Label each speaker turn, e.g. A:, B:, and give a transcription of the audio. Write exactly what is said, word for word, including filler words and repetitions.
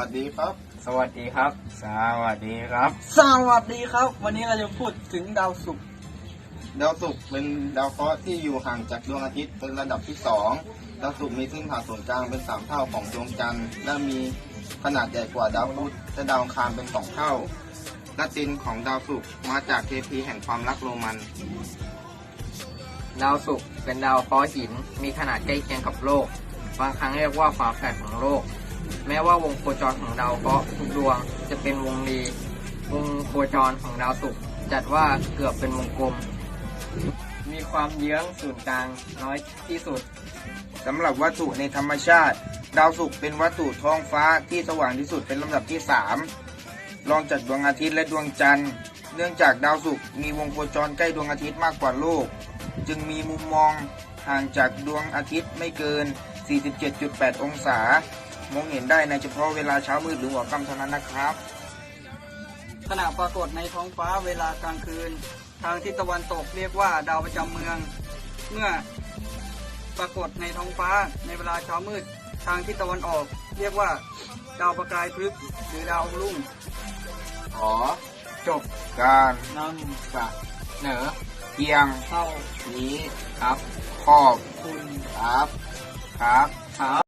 A: วัสดีครับ
B: สวัสดีครับ สวัสดีครับ
C: สวัสดีครับ วันนี้เราจะพูดถึงดาวศุกร์
A: ดาวศุกร์เป็นดาวเคราะห์ที่อยู่ห่างจากดวงอาทิตย์เป็นระดับที่สองดาวศุกร์มีเส้นผ่าศูนย์กลางเป็นสามเท่าของดวงจันทร์และมีขนาดใหญ่กว่าดาวพุธและดาวอังคารเป็นสองเท่าละตินของดาวศุกร์มาจากเทพีแห่งความรักโรมัน
B: ดาวศุกร์เป็นดาวเคราะห์หินมีขนาดใกล้เคียงกับโลกบางครั้งเรียกว่าฝาแฝดของโลกแม้ว่าวงโคจรของดาวเคราะห์ทุกดวงจะเป็นวงรีวงโคจรของดาวศุกร์จัดว่าเกือบเป็นวงกลมมีความเยื้องศูนย์กลางน้อยที่สุด
A: สำหรับวัตถุในธรรมชาติ ดาวศุกร์เป็นวัตถุท้องฟ้าที่สว่างที่สุดเป็นลำดับที่สามรองจากดวงอาทิตย์และดวงจันทร์เนื่องจากดาวศุกร์มีวงโคจรใกล้ดวงอาทิตย์มากกว่าโลกจึงมีมุมมองห่างจากดวงอาทิตย์ไม่เกิน สี่สิบเจ็ดจุดแปด องศามองเห็นได้ในเฉพาะเวลาเช้ามืดหรือหัวค่ำเท่านั้นนะครับ
C: ขณะปรากฏในท้องฟ้าเวลากลางคืน ทางทิศตะวันตกเรียกว่าดาวประจำเมือง เมื่อปรากฏในท้องฟ้าในเวลาเช้ามืด ทางทิศตะวันออก เรียกว่าดาวประกายพฤกษ์หรือดาวรุ่ง
A: ขอจบการ
C: นำ
A: เสนอเพียง
C: เข้า
A: นี้
B: ครับ
A: ขอบ
C: คุณ
A: ครับครับ
B: ครับ